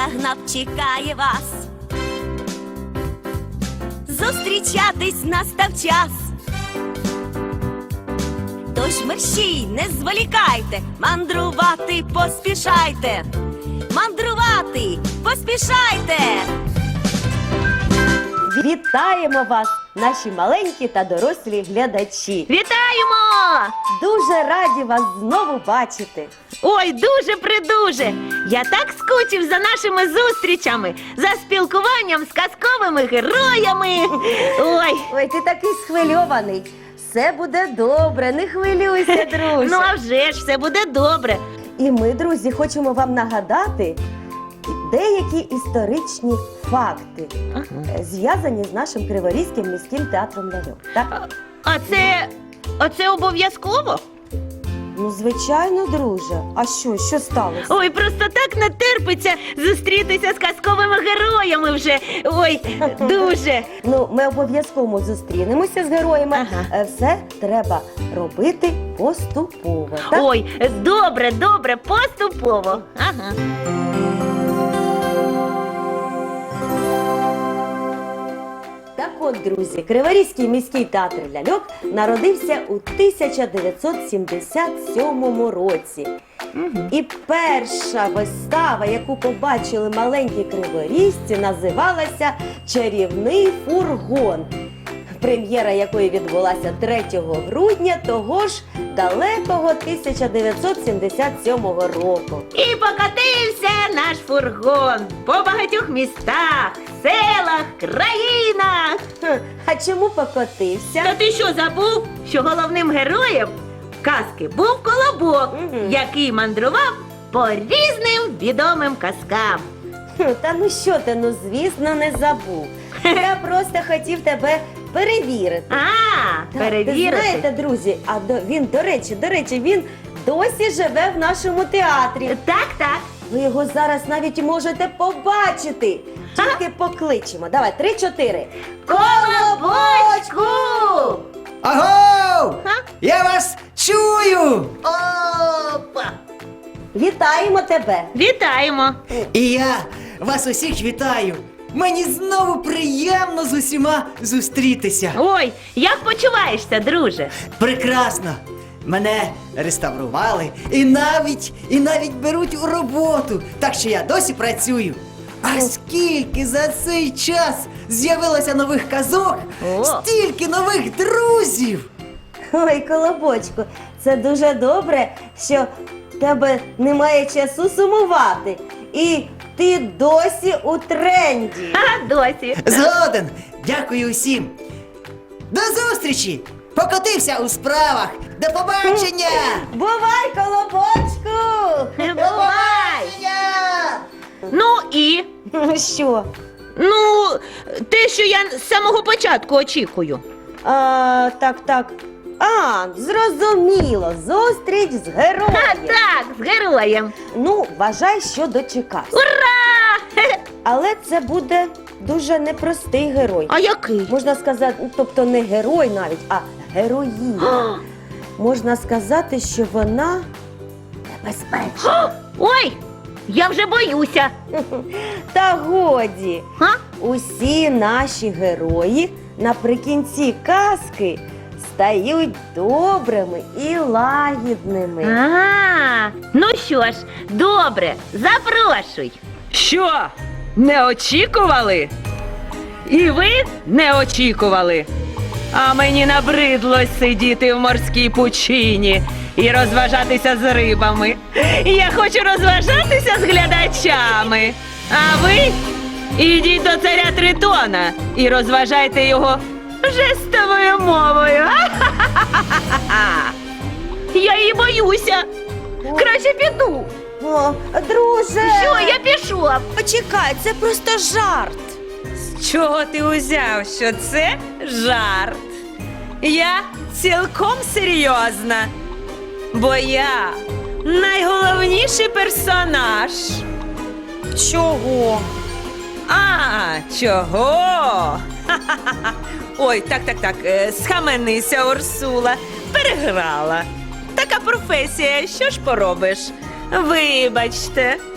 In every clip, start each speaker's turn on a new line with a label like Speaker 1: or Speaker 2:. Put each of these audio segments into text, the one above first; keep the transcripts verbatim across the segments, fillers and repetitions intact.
Speaker 1: загнав, чекає вас. Зустрічатись настав час. Тож мерщій, не зволікайте, мандрувати поспішайте. Мандрувати поспішайте.
Speaker 2: Вітаємо вас, наші маленькі та дорослі глядачі.
Speaker 3: Вітаємо!
Speaker 2: Дуже раді вас знову бачити.
Speaker 3: Ой, дуже-придуже! Я так скучив за нашими зустрічами, за спілкуванням з казковими героями. Ой,
Speaker 2: Ой, ти такий схвильований. Все буде добре, не хвилюйся, друже.
Speaker 3: ну а вже ж все буде добре.
Speaker 2: І ми, друзі, хочемо вам нагадати деякі історичні факти, е, зв'язані з нашим Криворізьким міським театром ляльок. Так?
Speaker 3: А це, а це обов'язково?
Speaker 2: Ну, звичайно, друже. А що, що сталося?
Speaker 3: Ой, просто так не терпиться зустрітися з казковими героями вже. Ой, дуже.
Speaker 2: Ну, ми обов'язково зустрінемося з героями.
Speaker 3: Ага.
Speaker 2: Е, Все треба робити поступово. Так?
Speaker 3: Ой, добре, добре, поступово. Ага.
Speaker 2: Так от, друзі, Криворізький міський театр ляльок народився у тисяча дев'ятсот сімдесят сьомому році. І перша вистава, яку побачили маленькі криворізці, називалася «Чарівний фургон», прем'єра якої відбулася третього грудня того ж далекого тисяча дев'ятсот сімдесят сьомого року.
Speaker 3: І покотився наш фургон по багатьох містах, селах, країнах.
Speaker 2: Хм, а чому покотився?
Speaker 3: Та ти що, забув, що головним героєм казки був Колобок,
Speaker 2: Мгм.
Speaker 3: який мандрував по різним відомим казкам.
Speaker 2: Хм, Та ну що ти, ну звісно, не забув. Я просто хотів тебе перевірити.
Speaker 3: А,
Speaker 2: Так,
Speaker 3: перевірити.
Speaker 2: Ви знаєте, друзі, а до, він, до речі, до речі, він досі живе в нашому театрі.
Speaker 3: Так, так.
Speaker 2: Ви його зараз навіть можете побачити. Тільки покличемо. Давай, три-чотири.
Speaker 3: Колобочку!
Speaker 4: Аго!
Speaker 3: Га?
Speaker 4: Я вас чую!
Speaker 3: Опа!
Speaker 2: Вітаємо тебе.
Speaker 3: Вітаємо!
Speaker 4: І я вас усіх вітаю! Мені знову приємно з усіма зустрітися.
Speaker 3: Ой, як почуваєшся, друже?
Speaker 4: Прекрасно! Мене реставрували і навіть, і навіть беруть у роботу, так що я досі працюю. А скільки за цей час з'явилося нових казок,
Speaker 3: О.
Speaker 4: стільки нових друзів!
Speaker 2: Ой, Колобочку, це дуже добре, що в тебе немає часу сумувати. І ти досі у тренді.
Speaker 3: А, досі.
Speaker 4: Згоден! Дякую усім! До зустрічі! Покотився у справах! До побачення!
Speaker 2: Бувай, Колобочку!
Speaker 3: Бувай! Ну і?
Speaker 2: Що?
Speaker 3: Ну, те, що я з самого початку очікую.
Speaker 2: А, так, так. А, зрозуміло. Зустріч з
Speaker 3: А,
Speaker 2: героєм.
Speaker 3: так, з героєм.
Speaker 2: Ну, вважай, що дочекався.
Speaker 3: Ура! Хе-хе.
Speaker 2: Але це буде дуже непростий герой.
Speaker 3: А який?
Speaker 2: Можна сказати, ну, тобто не герой навіть, а героїня. Можна сказати, що вона небезпечна.
Speaker 3: Ой, я вже боюся.
Speaker 2: Та годі.
Speaker 3: Га?
Speaker 2: Усі наші герої наприкінці казки стають добрими і лагідними.
Speaker 3: А, ну що ж, добре, запрошуй.
Speaker 5: Що? Не очікували? І ви не очікували? А мені набридло сидіти в морській пучині і розважатися з рибами. Я хочу розважатися з глядачами. А ви ідіть до царя Тритона і розважайте його жестовою мовою.
Speaker 3: Я її боюся. Краще піду.
Speaker 2: О, друже!
Speaker 3: Що, я пішов?
Speaker 2: Почекай, це просто жарт.
Speaker 5: З чого ти узяв, що це жарт? Я цілком серйозна, бо я найголовніший персонаж.
Speaker 2: Чого?
Speaker 5: А, чого? Ха-ха-ха. Ой, так, так, так, е, схаменися, Урсула, переграла. Така професія, що ж поробиш? Вибачте,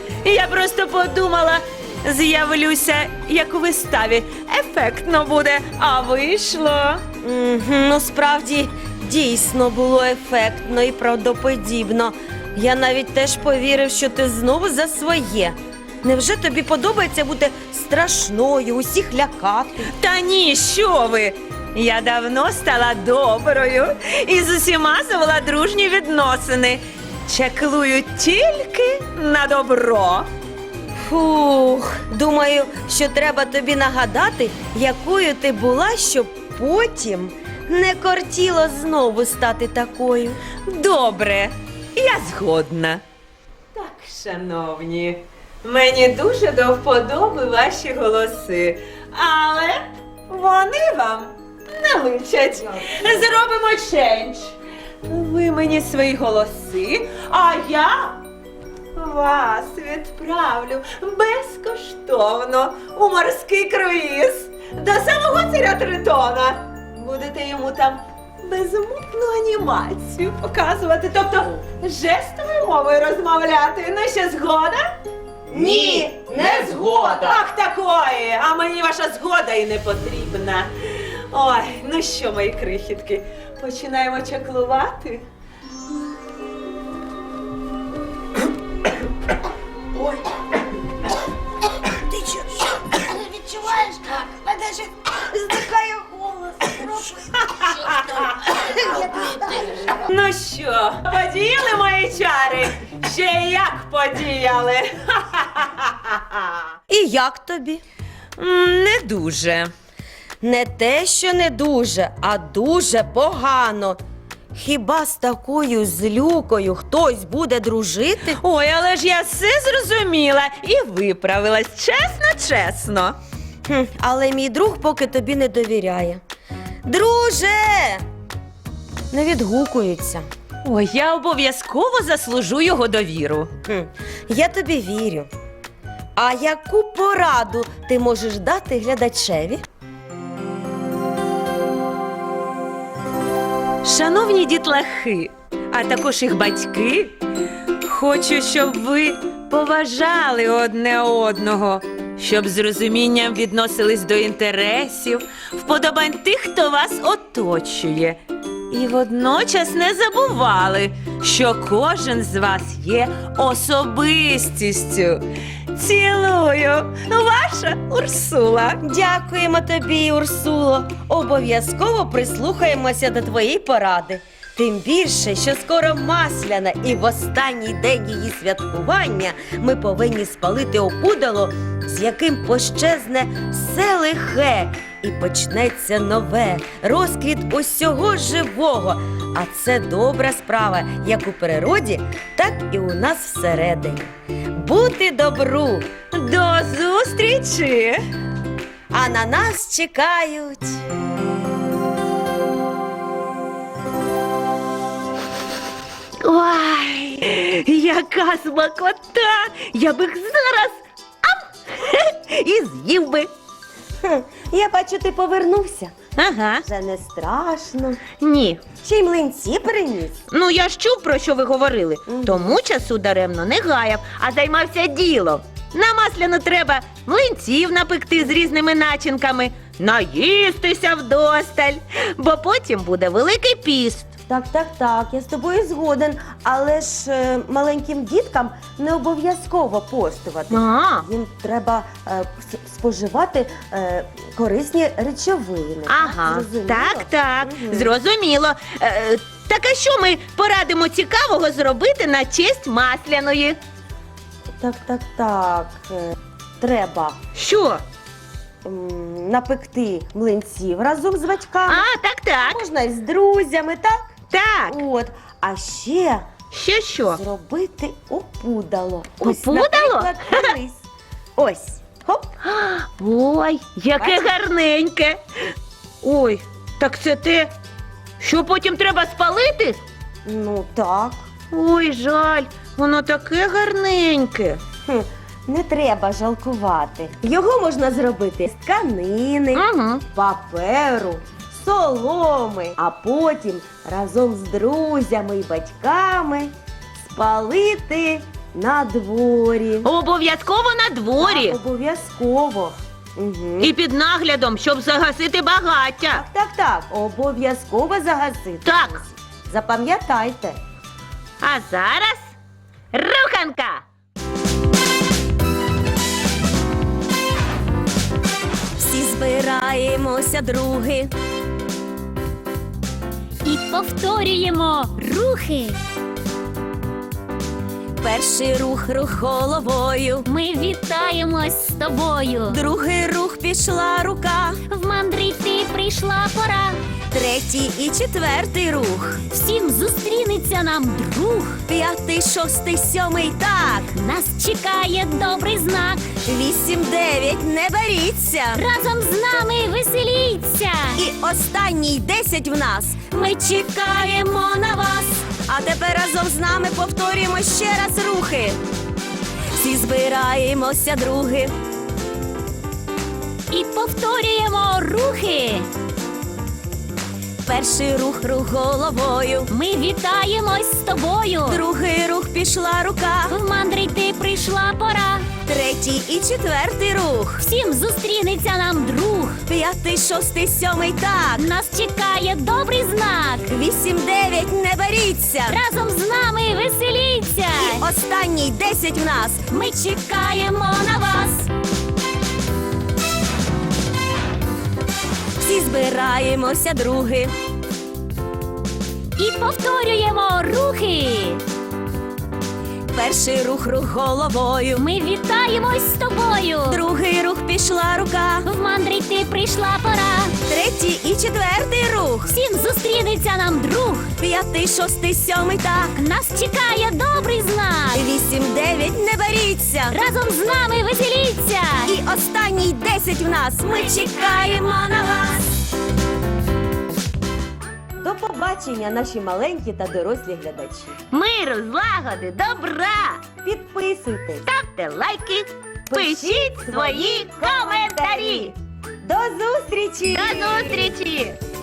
Speaker 5: Я просто подумала, з'явлюся, як у виставі. Ефектно буде, а вийшло.
Speaker 2: Мгм, ну, справді, дійсно було ефектно і правдоподібно. Я навіть теж повірив, що ти знову за своє. Невже тобі подобається бути страшною, усіх лякати?
Speaker 5: Та ні, що ви? Я давно стала доброю і з усіма завела дружні відносини. Чаклую тільки на добро.
Speaker 2: Фух, думаю, що треба тобі нагадати, якою ти була, щоб потім не кортіло знову стати такою.
Speaker 5: Добре, я згодна. Так, шановні, мені дуже до вподоби ваші голоси, але вони вам не личать. Зробимо чендж. Ви мені свої голоси, а я вас відправлю безкоштовно у морський круїз до самого царя Тритона. Будете йому там безмовну анімацію показувати, тобто жестовою мовою розмовляти. Ну що, згода?
Speaker 2: Ні, не згода.
Speaker 5: Ах, такої! А мені ваша згода і не потрібна. Ой, ну що, мої крихітки, починаємо чаклувати?
Speaker 1: Ти що, що? Відчуваєш? Мене ж зникає голос.
Speaker 5: Ну що, подіяли мої чари? Ще як подіяли?
Speaker 2: І як тобі?
Speaker 5: М, Не дуже.
Speaker 2: Не те, що не дуже, а дуже погано. Хіба з такою злюкою хтось буде дружити?
Speaker 5: Ой, але ж я все зрозуміла і виправилась, чесно, чесно.
Speaker 2: Хм, але мій друг поки тобі не довіряє. Друже! Не відгукується.
Speaker 5: Ой, я обов'язково заслужу його довіру.
Speaker 2: Хм, я тобі вірю. А яку пораду ти можеш дати глядачеві?
Speaker 5: Шановні дітлахи, а також їх батьки, хочу, щоб ви поважали одне одного, щоб з розумінням відносились до інтересів, вподобань тих, хто вас оточує. І водночас не забували, що кожен з вас є особистістю. Цілую, ваша Урсула.
Speaker 2: Дякуємо тобі, Урсуло. Обов'язково прислухаємося до твоєї поради. Тим більше, що скоро Масляна, і в останній день її святкування ми повинні спалити опудало, з яким пощезне все лихе, і почнеться нове, розквіт усього живого. А це добра справа як у природі, так і у нас всередині. Бути добру,
Speaker 5: До зустрічі!
Speaker 2: а на нас чекають.
Speaker 5: Ой, яка смакота! Я б їх зараз ам, і з'їв би.
Speaker 2: Хм, я бачу, ти повернувся.
Speaker 5: Ага.
Speaker 2: Вже не страшно.
Speaker 5: Ні.
Speaker 2: Ще й млинці приніс.
Speaker 5: Ну, я ж чув, про що ви говорили.
Speaker 2: Мгм.
Speaker 5: Тому часу даремно не гаяв, а займався ділом. На Масляну треба млинців напекти з різними начинками, наїстися вдосталь, бо потім буде Великий піст.
Speaker 2: Так, так, так, я з тобою згоден. Але ж е, маленьким діткам не обов'язково постувати.
Speaker 5: А,
Speaker 2: Їм треба е, с- споживати е, корисні речовини.
Speaker 5: ага,
Speaker 2: Зрозуміло?
Speaker 5: так, так,
Speaker 2: Мгм.
Speaker 5: зрозуміло. Е, так а що ми порадимо цікавого зробити на честь Масляної?
Speaker 2: Так, так, так. Е, треба
Speaker 5: Що?
Speaker 2: м, напекти млинців разом з батьками.
Speaker 5: А, так, так,
Speaker 2: Можна і з друзями, так?
Speaker 5: так.
Speaker 2: От. А ще
Speaker 5: Що, що?
Speaker 2: зробити опудало. Ось,
Speaker 5: Опудало?
Speaker 2: наприклад, дивись. Ось. Хоп.
Speaker 5: Ой, яке
Speaker 2: Бачиш?
Speaker 5: гарненьке. Ой, так це те, що потім треба спалити?
Speaker 2: Ну так.
Speaker 5: Ой, жаль, воно таке гарненьке.
Speaker 2: Хм, не треба жалкувати. Його можна зробити з тканини,
Speaker 5: Угу.
Speaker 2: паперу, соломи, а потім разом з друзями і батьками спалити На дворі.
Speaker 3: Обов'язково на дворі.
Speaker 2: Так, обов'язково. Угу.
Speaker 3: І під наглядом, щоб загасити багаття.
Speaker 2: Так, так, так. Обов'язково загасити.
Speaker 3: Так.
Speaker 2: Запам'ятайте.
Speaker 3: А зараз руханка.
Speaker 2: Всі збираємося, други.
Speaker 6: І повторюємо рухи.
Speaker 2: Перший рух рух головою.
Speaker 6: Ми вітаємось з тобою.
Speaker 2: Другий рух пішла рука.
Speaker 6: В мандрі йти прийшла пора.
Speaker 2: Третій і четвертий рух.
Speaker 6: Всім зустрінеться нам друг.
Speaker 2: П'ятий, шостий, сьомий, так.
Speaker 6: Нас чекає добрий знак.
Speaker 2: Вісім, дев'ять, не боріться.
Speaker 6: Разом з нами веселіться.
Speaker 2: І останній десять в нас.
Speaker 6: Ми чекаємо на вас.
Speaker 2: А тепер разом з нами повторюємо ще раз рухи. Всі збираємося, други.
Speaker 6: І повторюємо рухи.
Speaker 2: Перший рух рух головою.
Speaker 6: Ми вітаємось з тобою.
Speaker 2: Другий рух пішла рука.
Speaker 6: В мандрі йти прийшла пора.
Speaker 2: Третій і четвертий рух.
Speaker 6: Всім зустрінеться нам друг.
Speaker 2: П'ятий, шостий, сьомий, так.
Speaker 6: Нас чекає добрий знак.
Speaker 2: Вісім, дев'ять, не боріться.
Speaker 6: Разом з нами веселіться.
Speaker 2: І останній десять в нас.
Speaker 6: Ми чекаємо на вас.
Speaker 2: Всі збираємося, други.
Speaker 6: І повторюємо рухи.
Speaker 2: Перший рух рух головою.
Speaker 6: Ми вітаємось з тобою.
Speaker 2: Другий рух пішла рука.
Speaker 6: В мандрі йти прийшла пора.
Speaker 2: Третій і четвертий рух.
Speaker 6: Всім зустрінеться нам друг.
Speaker 2: П'ятий, шостий, сьомий, так.
Speaker 6: Нас чекає добрий знак.
Speaker 2: Вісім, дев'ять, не боріться.
Speaker 6: Разом з нами веселіться.
Speaker 2: І останній десять в нас. Ми чекаємо на вас. До побачення, наші маленькі та дорослі глядачі.
Speaker 3: Миру, злагоди, добра.
Speaker 2: Підписуйтесь.
Speaker 3: Ставте лайки, пишіть свої коментарі.
Speaker 2: До зустрічі!
Speaker 3: До зустрічі!